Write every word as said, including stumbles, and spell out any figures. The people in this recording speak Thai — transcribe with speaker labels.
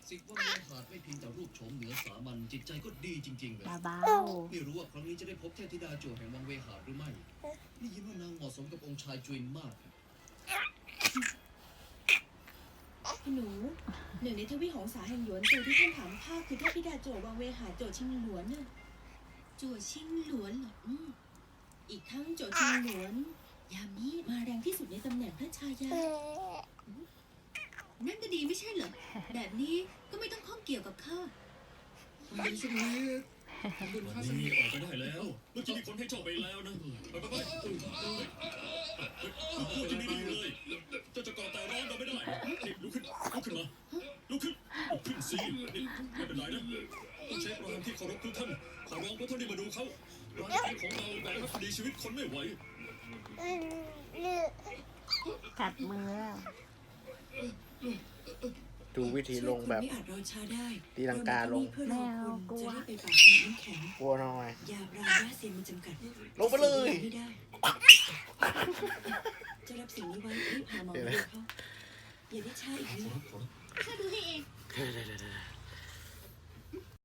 Speaker 1: สิบวังเวหาดไม่เพียงแต่รูปโฉมเหนือสามัญจิตใจก็ดีจริงๆเลย
Speaker 2: เบา
Speaker 1: ไม่รู้ว่าครั้งนี้จะได้พบเทพธิดาโจวแห่งวังเวหาดหรือไม่ได้ยินว่านางเหมาะสมกับองค์ชายจุนมาก
Speaker 3: คุณหนูหนึ่งในทวีหงสาแห่งหยวนโจวที่ท่านถามข้าคือเทพธิดาโจววังเวหาโจวชิงหลวนน่ะโจวชิงหลวนเหรออืมอีกทั้งโจวชิงหลวนยามนี้มาแรงที่สุดในตำแหน่งพระชายานั่นก็ดีไม่ใช่เหรอแบบนี้ก็ไม่ต้องข้องเกี่ยวกับข้า
Speaker 1: ดีสุดเลยคุณ
Speaker 4: วัน
Speaker 1: ข้าส
Speaker 4: นี้
Speaker 1: นิท
Speaker 4: ออกก็ได้แล้ว เมื่อกี้มีคนให้เจ้าไปแล้วนะ ไปไปไปพูดจะไม่ดีเลย เจ้าจะก่อแต่ร้อนเราไม่ได้นี่ลุกขึ้น ลุกขึ้นมา ลุกขึ้น ลุกขึ้นสินี่ไม่เป็นไรนะ ต้องใช้ความที่เคารพทุกท่าน ขอร้องพวกท่านที่มาดูเขาร้านขายของเราแบกรับคดีชีวิตคนไม่ไหว
Speaker 2: ๆกัดมือแล้ว
Speaker 5: ดูวิธีลงแบบ
Speaker 3: ไม่อาจรอช้าได้
Speaker 5: ตีลังกาลง
Speaker 3: เพื่อรอคุณจะได้ไปปากน้ำแข็ง
Speaker 5: กลัวหน่อย
Speaker 3: ยาบราย่าเซียนมันจำกัด
Speaker 5: ลงไปเลย
Speaker 3: ไม่ได้จะรับสิ่งนี้ไว้รีบหาหมอมาดูเขาอย่าได้ช้าอีกนะ
Speaker 4: ขอรับขอรับ
Speaker 3: ข้าดูให้เอง
Speaker 5: เดี๋ยว